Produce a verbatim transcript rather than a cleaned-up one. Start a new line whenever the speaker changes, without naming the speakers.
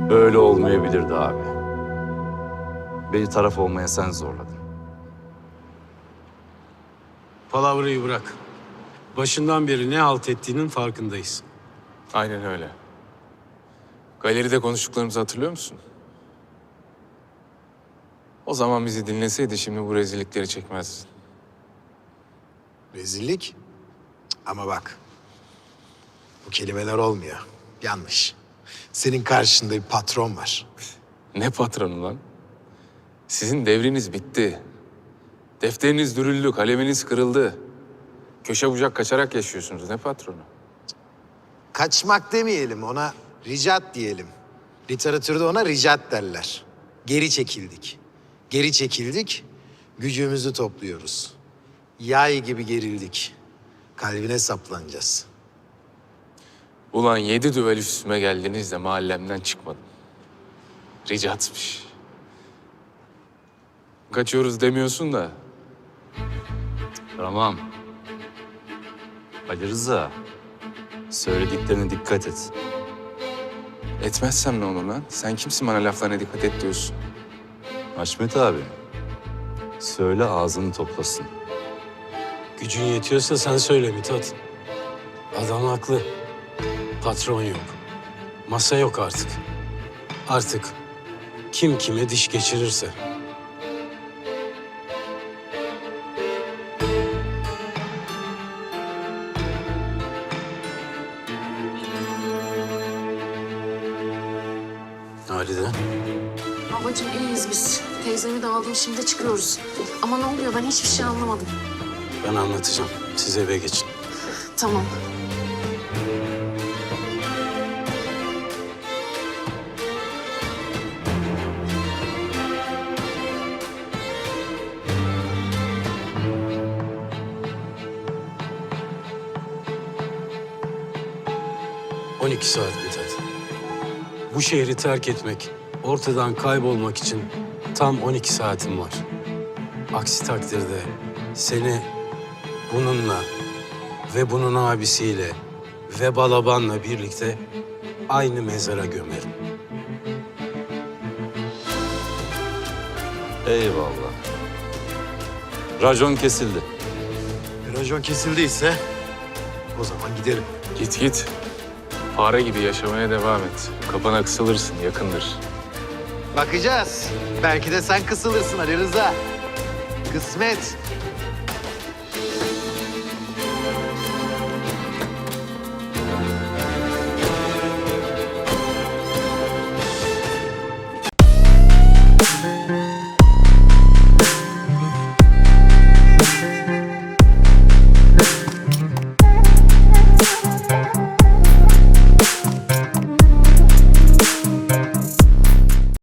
Öyle olmayabilirdi abi. Beni taraf olmaya sen zorladın.
Palavrayı bırak. Başından beri ne halt ettiğinin farkındayız.
Aynen öyle. Galeride konuştuklarımızı hatırlıyor musun? O zaman bizi dinleseydi şimdi bu rezillikleri çekmezdin.
Rezillik. Cık, ama bak. Bu kelimeler olmuyor. Yanlış. Senin karşında bir patron var.
Ne patronu lan? Sizin devriniz bitti. Defteriniz dürüldü, kaleminiz kırıldı. Köşe bucak kaçarak yaşıyorsunuz. Ne patronu?
Kaçmak demeyelim, ona ricat diyelim. Literatürde ona ricat derler. Geri çekildik. Geri çekildik, gücümüzü topluyoruz. Yay gibi gerildik. Kalbine saplanacağız.
Ulan yedi düvel üstüme geldiniz de mahallemden çıkmadım. Ricatmış. Kaçıyoruz demiyorsun da.
Tamam. Ali Rıza, söylediklerine dikkat et.
Etmezsem ne olur lan? Sen kimsin bana laflarına dikkat et diyorsun?
Haşmet abi, söyle ağzını toplasın.
Gücün yetiyorsa sen söyle Mithat. Adam haklı. Patron yok. Masa yok artık. Artık kim kime diş geçirirse. Halide.
Babacığım iyiyiz biz. Teyzemi de aldım şimdi çıkıyoruz. Ama ne oluyor ben hiçbir şey anlamadım.
Ben anlatacağım. Siz eve geçin.
Tamam.
on iki saat Mithat. Bu şehri terk etmek, ortadan kaybolmak için tam on iki saatim var. Aksi takdirde seni bununla ve bunun abisiyle ve Balaban'la birlikte aynı mezara gömerim.
Eyvallah. Racon kesildi.
Racon kesildiyse o zaman gidelim.
Git git. Fare gibi yaşamaya devam et. Kapana kısılırsın, yakındır.
Bakacağız. Belki de sen kısılırsın Ali Rıza. Kısmet.